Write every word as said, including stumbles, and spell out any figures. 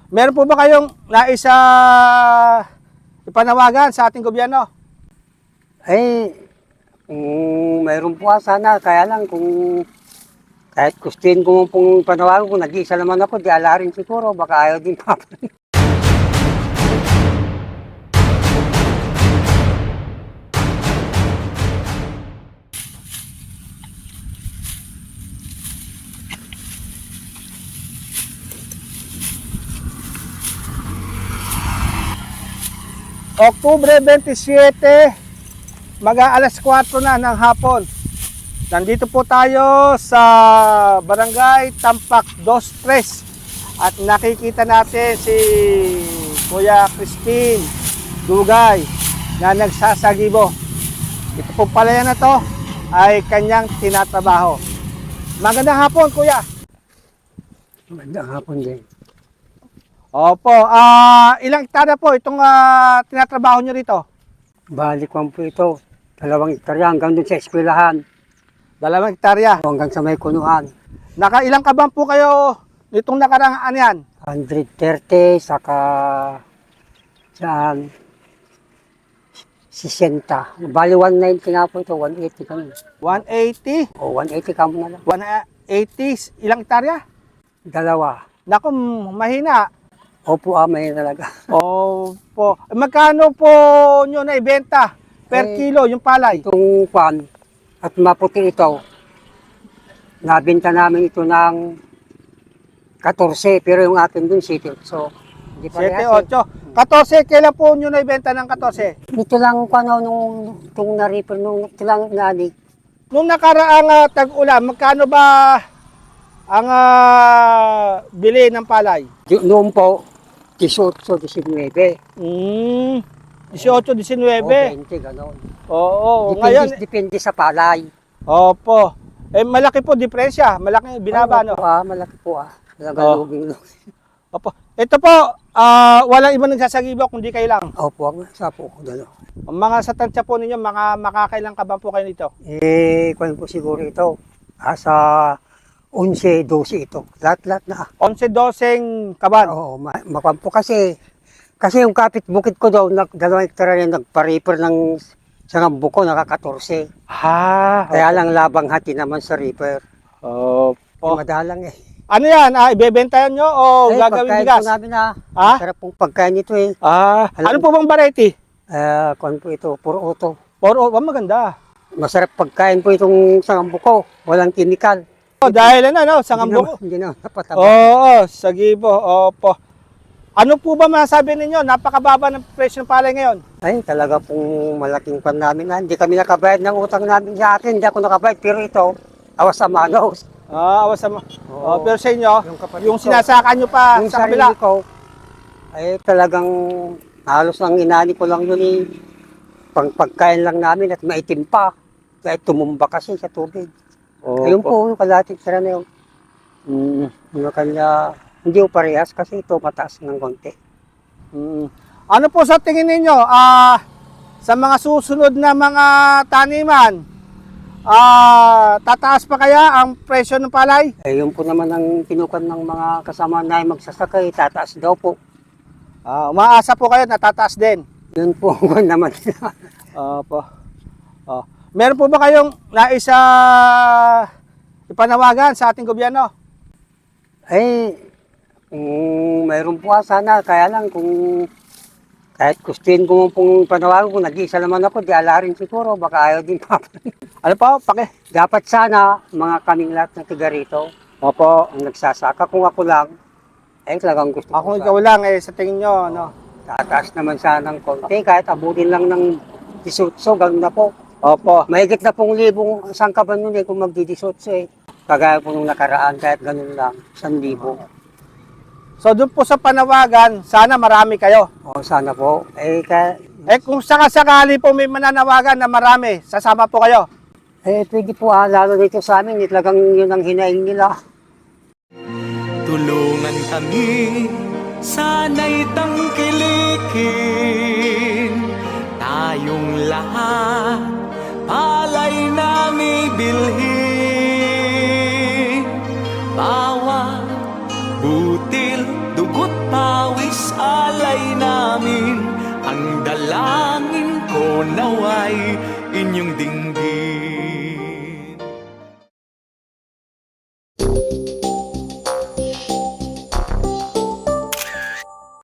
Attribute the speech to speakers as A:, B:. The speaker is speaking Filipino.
A: Meron po ba kayong nais uh, ipanawagan sa ating gobyerno?
B: Eh, kung mayroon po ah, sana, kaya lang kung kahit gustuin ko pong panawagan, kung nag-iisa naman ako, di ala rin siguro, baka ayaw din pa.
A: Oktubre twenty-seven, mag-aalas kwatro na ng hapon. Nandito po tayo sa Barangay Tampak two three at nakikita natin si Kuya Christine Dugay na nagsasagibo. Ito po pala yan na to ay kanyang tinatrabaho. Magandang hapon, Kuya.
B: Magandang hapon din.
A: Opo, ah ilang hektarya po itong ah, tinatrabaho nyo rito?
B: Balik ko po ito, dalawang hektarya hanggang dun sa eskwelahan,
A: Dalawang hektarya.
B: hanggang sa may kunuhan.
A: Nakailang kaban po kayo nitong nakarang ano yan?
B: one thirty, saka saan, sixty. Bali one ninety nga po ito, one eighty kami.
A: one eighty?
B: O one eighty kamo na lang.
A: one eighty? Ilang hektarya?
B: Dalawa.
A: Naku, mahina.
B: Opo, ah, may talaga.
A: Opo. Magkano po nyo na ibenta per
B: Eh,
A: kilo yung palay?
B: Itong pan at maputi ito, nabenta namin ito ng fourteen, pero yung atin dun seven. So, hindi pa
A: seven, eight. fourteen, kailan po nyo na ibenta ng fourteen?
B: Ito lang kung ano, nung itong na-reaper, nung ito lang nani.
A: Nung nakaraang uh, tag-ulan, magkano ba ang uh, bili ng palay?
B: Noon po, eighteen, nineteen.
A: Mm, eighteen,
B: O
A: nineteen.
B: twenty, gano'n.
A: Oo,
B: Depende,
A: ngayon,
B: depende sa palay.
A: opo. Eh, malaki po diferensya. Malaki binaba, no?
B: Opo, ah, malaki po ah. Talaga
A: Oh.
B: luging luging.
A: Opo. Ito po, ah, walang ibang nagsasagibo kundi kayo lang.
B: Opo, ang sa po ko dalo.
A: Ang mga sa tansya po ninyo, mga makakailang kaban po kayo nito?
B: Eh, kung po siguro ito, asa eleven, twelve ito. Lahat-lahat na.
A: eleven, twelve kaban.
B: Oo, ma makuha po kasi, kasi yung kapit bukid ko daw, nag, dalawang hektarya yung nagpa-reaper ng isang buko, naka-fourteen.
A: Ha?
B: Kaya lang labang hati naman sa reaper.
A: Opo.
B: Oh. Madalang eh.
A: Ano yan? Ah, ibebentayan nyo o
B: Eh,
A: gagawin
B: pagkain
A: bigas?
B: po namin ah.
A: Ha?
B: Masarap pong pagkain ito eh.
A: Ah,
B: Alam-
A: ano po bang variety?
B: Eh, kung po ito, puro auto.
A: Puro, oh, maganda.
B: Masarap pagkain po itong sangambuko. Walang kimikal.
A: Oh, dahil ano, no, sangambuko.
B: Hindi na, hindi na napataba.
A: Oo, sagibo. Opo. Ano po ba masabi ninyo? Napakababa ng presyo ng palay ngayon.
B: Ay, talaga pong malaking pan namin na. Hindi kami nakabayad ng utang namin sa atin. Hindi ako nakabayad. Pero ito, awas sa manos.
A: Ah, awas sa...
B: Oo.
A: Oh, pero sa inyo,
B: Yung kapatid
A: yung
B: ko.
A: sinasaka nyo pa
B: Yung
A: sa
B: sarili
A: kabila.
B: ko, ay talagang halos ang inani ko lang yun eh. Pang pagkain lang namin at maitim pa. Kahit tumumba kasi sa tubig. Ayun po, yung kalating sira na yun. Mm, yung kanya, hindi ko parehas kasi ito mataas ng konti.
A: Mm. Ano po sa tingin ninyo, ah, sa mga susunod na mga taniman, ah, tataas pa kaya ang presyo ng palay?
B: Eh, yun po naman ang pinukan ng mga kasama na magsasakay, tataas daw po.
A: Ah, umaasa po kayo na tataas din.
B: Yun po ang naman.
A: Opo. Oh. Meron po ba kayong nais uh, ipanawagan sa ating gobyerno?
B: Eh, kung mayroon po ah, sana, kaya lang kung kahit gustuin ko pong panawagan, kung nag-iisa naman ako, di ala rin siguro, baka ayaw din pa.
A: Ano po? Pake?
B: Dapat sana, mga kaming lahat ng tiga rito,
A: Opo.
B: ang nagsasaka, kung ako lang, eh talagang gusto
A: Ako
B: ko
A: ikaw lang eh, sa tingin nyo, no?
B: tataas naman sana ng konti, kahit abutin lang ng disutso, gano'n na po.
A: Opo.
B: Mahigit na pong libong sangkaban nun eh, kung magdidisutso eh. Kagaya po nung nakaraan, kahit gano'n lang, isang libo.
A: So doon po sa panawagan, sana marami kayo.
B: O sana po, eh, kaya,
A: Eh kung sakasakali po may mananawagan na marami, sasama po kayo.
B: eh pwede po ah, lalo dito sa amin, eh, talagang yun ang hinaing nila.
C: Tulungan kami, sana'y tangkilikin. Tayong lahat, palay na may bilhin. Bawat butil, dugot pa pawis alay namin, ang dalangin ko naway inyong dinggin.